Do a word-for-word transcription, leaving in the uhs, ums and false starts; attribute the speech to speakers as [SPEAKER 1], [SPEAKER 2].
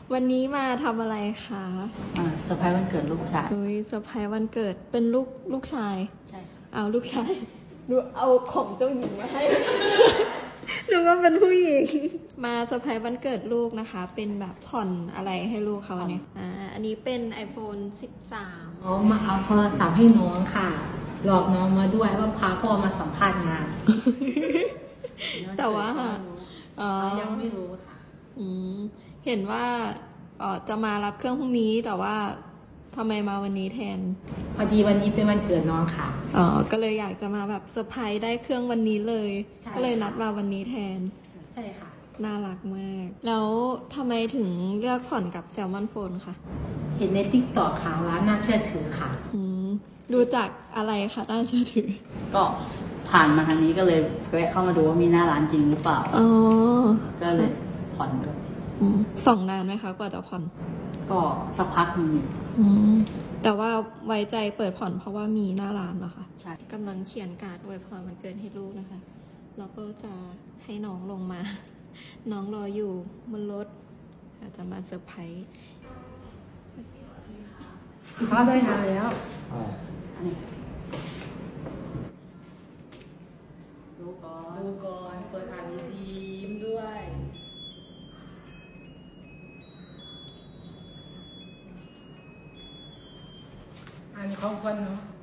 [SPEAKER 1] วันนี้มาทำอะไรคะ
[SPEAKER 2] อ่าเซอร์ไพรส์วันเกิดลูกชาย
[SPEAKER 1] เฮ้ยเซอร์ไพรส์วันเกิดเป็นลูกลูกชาย
[SPEAKER 2] ใช่
[SPEAKER 1] เอาลูกชายดูเอาของเจ้าหญิงมาให้ ดูว่าเป็นผู้หญิง มาเซอร์ไพรส์วันเกิดลูกนะคะ เป็นแบบผ่อนอะไรให้ลูกเขาเนี่ยอ่าอันนี้เป็น ไอโฟนสิบสาม
[SPEAKER 3] เขามาเอาโทรศัพท์ให้น้องค่ะ หลอกน้องมาด้วยว่าพาพ่อมาสัมภาษณ์งาน
[SPEAKER 1] แต่ว่าอ๋อ
[SPEAKER 3] ยังไม่รู้ค่ะ
[SPEAKER 1] อืมเห็นว่าเอ๋อจะมารับเครื่องพรุ่งนี้แต่ว่าทำไมมาวันนี้แทน
[SPEAKER 3] พอดีวันนี้เป็นวันเกิดน้องค่ะ
[SPEAKER 1] อ๋อก็เลยอยากจะมาแบบเซอร์ไพรส์ได้เครื่องวันนี้เลย
[SPEAKER 3] ใช่
[SPEAKER 1] ก็เลยนัดมาวันนี้แทน
[SPEAKER 3] ใช่ค่ะ
[SPEAKER 1] น่ารักมาก แล้วทำไมถึงเลือกผ่อนกับแซลมอนโฟนคะ
[SPEAKER 3] เห็นในติ๊กต็อกค่ะร้านน่าเชื่อถือค่ะ
[SPEAKER 1] อืมดูจากอะไรคะน่าเชื่อถือ
[SPEAKER 2] ก็ผ่านมาทางนี้ก็เลยแวะเข้ามาดูว่ามีหน้าร้านจริงหรือเปล่า
[SPEAKER 1] อ๋อ
[SPEAKER 2] ก็เลยผ่อนด้วย
[SPEAKER 1] อืมส่องนานไหมคะกว่าจะผ่อน
[SPEAKER 2] ก็สักพักหนึงอยู่
[SPEAKER 1] อืมแต่ว่าไว้ใจเปิดผ่อนเพราะว่ามีหน้าร้านเหรอคะ
[SPEAKER 2] ใช่
[SPEAKER 1] กำลังเขียนการ์ดอวยพรวันเกิดให้ลูกนะคะ แล้วก็จะให้น้องลงมา น้องรออยู่บนรถอาจจะมาเซอร์ไพรส์
[SPEAKER 3] เขาได้งานแล้ว
[SPEAKER 2] อันนี้ดูก่อน
[SPEAKER 3] ดูก่อนเปิดอ่านดีๆยิ้มด้วย อันนี้ของคนเนาะ